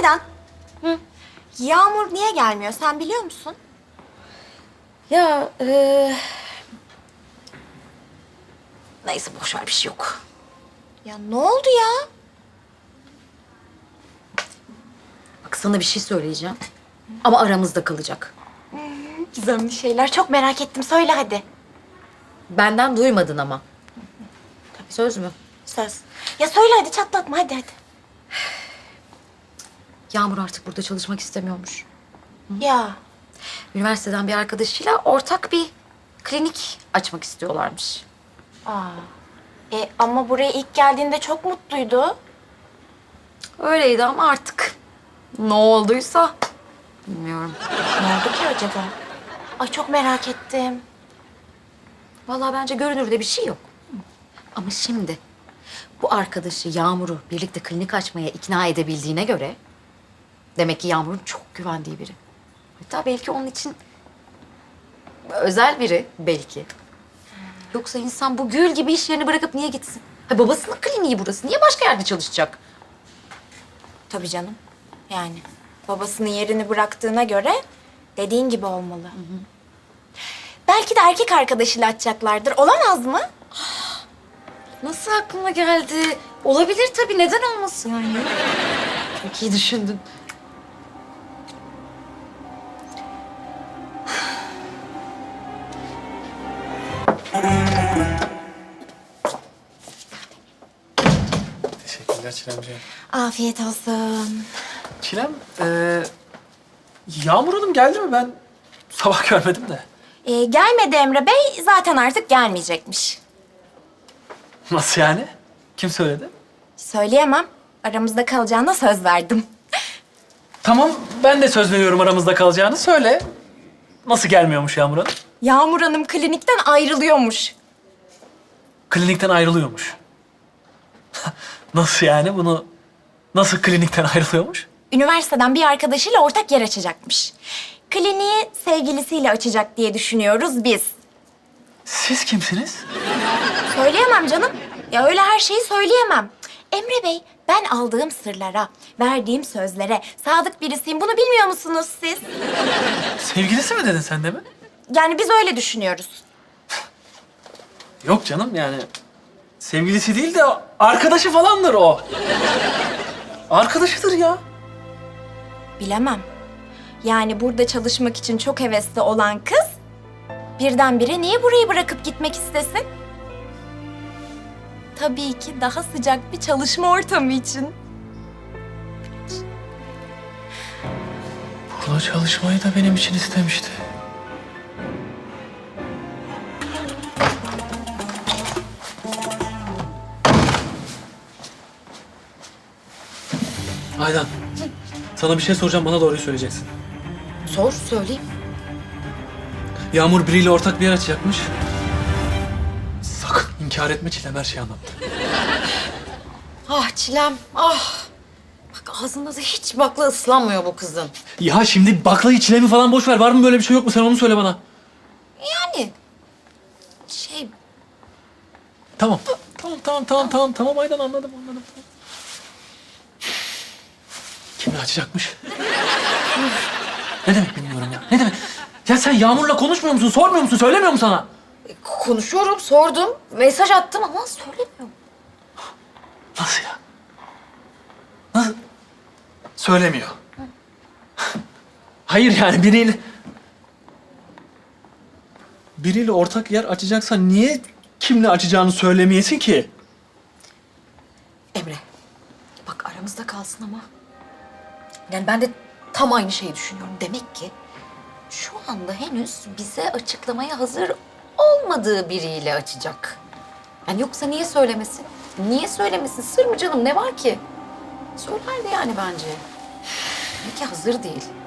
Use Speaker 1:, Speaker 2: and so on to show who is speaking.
Speaker 1: Aydan. Hı? Yağmur niye gelmiyor sen biliyor musun?
Speaker 2: Ya neyse boş ver bir şey yok.
Speaker 1: Ya ne oldu ya?
Speaker 2: Bak sana bir şey söyleyeceğim. Ama aramızda kalacak.
Speaker 1: Gizemli şeyler çok merak ettim. Söyle hadi.
Speaker 2: Benden duymadın ama. Söz mü?
Speaker 1: Söz. Ya söyle hadi çatlatma hadi.
Speaker 2: Yağmur artık burada çalışmak istemiyormuş.
Speaker 1: Ya
Speaker 2: Üniversiteden bir arkadaşıyla ortak bir klinik açmak istiyorlarmış.
Speaker 1: ama buraya ilk geldiğinde çok mutluydu.
Speaker 2: Öyleydi ama artık ne olduysa bilmiyorum.
Speaker 1: Ne oldu ki acaba? Ay çok merak ettim.
Speaker 2: Vallahi bence görünürde bir şey yok. Ama şimdi bu arkadaşı Yağmur'u birlikte klinik açmaya ikna edebildiğine göre demek ki Yağmur'un çok güvendiği biri. Hatta belki onun için özel biri belki. Yoksa insan bu gül gibi iş yerini bırakıp niye gitsin? Ha, babasının kliniği burası. Niye başka yerde çalışacak?
Speaker 1: Tabii canım. Yani babasının yerini bıraktığına göre dediğin gibi olmalı. Belki de erkek arkadaşıyla açacaklardır. Olamaz mı?
Speaker 2: Nasıl aklına geldi? Olabilir tabii. Neden olmasın yani? Çok iyi düşündün.
Speaker 3: Teşekkürler Çilemciğim.
Speaker 1: Afiyet olsun.
Speaker 3: Çilem, Yağmur Hanım geldi mi? Ben sabah görmedim de.
Speaker 1: Gelmedi Emre Bey. Zaten artık gelmeyecekmiş.
Speaker 3: Nasıl yani? Kim söyledi?
Speaker 1: Söyleyemem. Aramızda kalacağına söz verdim.
Speaker 3: Tamam, ben de söz veriyorum aramızda kalacağını. Söyle. Nasıl gelmiyormuş Yağmur Hanım?
Speaker 1: Yağmur Hanım klinikten ayrılıyormuş.
Speaker 3: Klinikten ayrılıyormuş. Nasıl yani? Bunu nasıl klinikten ayrılıyormuş?
Speaker 1: Üniversiteden bir arkadaşıyla ortak yer açacakmış. Kliniği sevgilisiyle açacak diye düşünüyoruz biz.
Speaker 3: Siz kimsiniz?
Speaker 1: Söyleyemem canım. Ya öyle her şeyi söyleyemem. Emre Bey, ben aldığım sırlara, verdiğim sözlere sadık birisiyim. Bunu bilmiyor musunuz siz?
Speaker 3: Sevgilisi mi dedin sen de mi?
Speaker 1: Yani biz öyle düşünüyoruz.
Speaker 3: Yok canım yani. Sevgilisi değil de arkadaşı falandır o. Arkadaşıdır ya.
Speaker 1: Bilemem. Yani burada çalışmak için çok hevesli olan kız birdenbire niye burayı bırakıp gitmek istesin? Tabii ki daha sıcak bir çalışma ortamı için.
Speaker 3: Burada çalışmayı da benim için istemişti. Aydan, sana bir şey soracağım, bana doğruyu söyleyeceksin.
Speaker 2: Sor, söyleyeyim.
Speaker 3: Yağmur biriyle ortak bir yer açacakmış. Sakın inkar etme, Çilem her şeyi anlattı.
Speaker 2: Ah Çilem, ah. Bak ağzında da hiç bakla ıslanmıyor bu kızın.
Speaker 3: Ya şimdi baklayı, Çilem'i falan boş ver. Var mı böyle bir şey, yok mu? Sen onu söyle bana.
Speaker 2: Yani şey
Speaker 3: Tamam. Tamam Aydan, anladım. Kimle açacakmış? Ne demek bilmiyorum ya. Ne demek? Ya sen Yağmur'la konuşmuyor musun? Sormuyor musun? Söylemiyor mu sana?
Speaker 2: konuşuyorum, sordum, mesaj attım ama söylemiyor.
Speaker 3: Nasıl ya? Nasıl? Söylemiyor. Hayır yani biriyle ortak yer açacaksan niye kimle açacağını söylemeyesin ki?
Speaker 2: Emre, bak aramızda kalsın ama. Yani ben de tam aynı şeyi düşünüyorum. Demek ki şu anda henüz bize açıklamaya hazır olmadığı biriyle açacak. Yani yoksa niye söylemesin? Niye söylemesin? Sır mı canım? Ne var ki? Söylerdi yani bence. Belki hazır değil.